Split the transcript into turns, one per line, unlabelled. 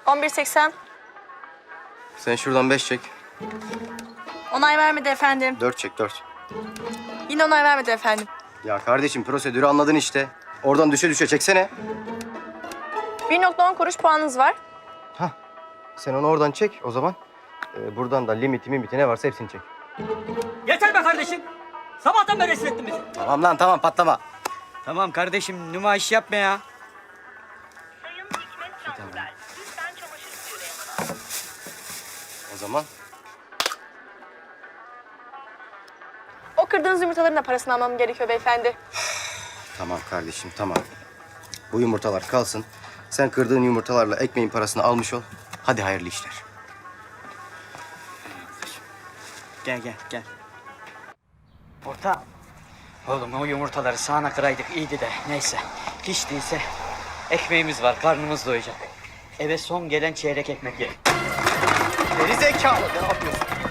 11.80.
Sen şuradan 5 çek.
Onay vermedi efendim.
4 çek 4.
Yine onay vermedi efendim.
Ya kardeşim prosedürü anladın işte. Oradan düşe düşe çeksene.
1.10 kuruş puanınız var.
Hah. Sen onu oradan çek o zaman. Buradan da limiti ne varsa hepsini çek.
Yeter be kardeşim. Sabahtan beri rezil ettin bizi.
Tamam lan tamam patlama.
Tamam kardeşim nümayiş yapma ya.
Sayın Hikmet Tanrıver, lütfen çamaşır suyuna yanına.
O zaman
O kırdığınız yumurtaların da parasını almam gerekiyor beyefendi.
tamam kardeşim tamam. Bu yumurtalar kalsın. Sen kırdığın yumurtalarla ekmeğin parasını almış ol. Hadi hayırlı işler.
Gel. Orta. Oğlum o yumurtaları sağana kıraydık iyiydi de neyse. Hiç değilse ekmeğimiz var, karnımız doyacak. Eve son gelen çeyrek ekmek ye.
Geri zekalı ne yapıyorsun?